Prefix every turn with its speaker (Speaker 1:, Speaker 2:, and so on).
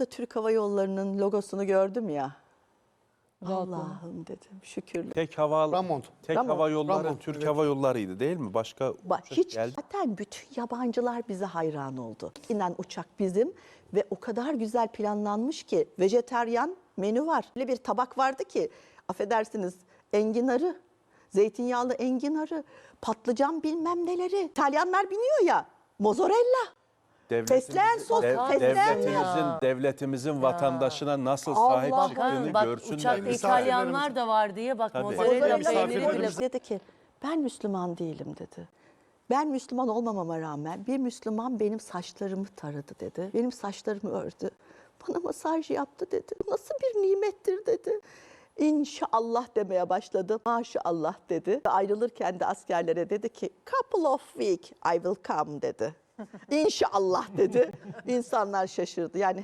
Speaker 1: Orada Türk Hava Yolları'nın logosunu gördüm ya. Allah'ım dedim, şükürler.
Speaker 2: Tek
Speaker 1: Ramont.
Speaker 2: hava yolları
Speaker 3: Ramont,
Speaker 2: Türk
Speaker 3: evet.
Speaker 2: Hava Yolları'ydı değil mi? Başka uçak
Speaker 1: Hiç
Speaker 2: geldi.
Speaker 1: zaten bütün yabancılar bize hayran oldu. İnen uçak bizim ve o kadar güzel planlanmış ki vejeteryan menü var. Öyle bir tabak vardı ki affedersiniz enginarı, zeytinyağlı enginarı, patlıcan bilmem neleri. İtalyanlar biniyor ya mozzarella. Fesleğen sos, fesleğen
Speaker 2: devletimizin vatandaşına nasıl sahip
Speaker 1: Allah'ım.
Speaker 2: çıktığını
Speaker 4: Bak
Speaker 2: görsünler.
Speaker 4: uçakta İtalyanlar da var diye bak
Speaker 2: Tabii.
Speaker 4: mozzarella peyniri bile.
Speaker 3: Misafirlerimiz-
Speaker 1: Dedi ki ben Müslüman değilim dedi. Ben Müslüman olmamama rağmen bir Müslüman benim saçlarımı taradı dedi. Benim saçlarımı ördü. Bana masaj yaptı dedi. Bu nasıl bir nimettir dedi. İnşallah demeye başladı. Maşallah dedi. Ayrılırken de askerlere dedi ki couple of week I will come dedi. İnşallah dedi. İnsanlar şaşırdı. Yani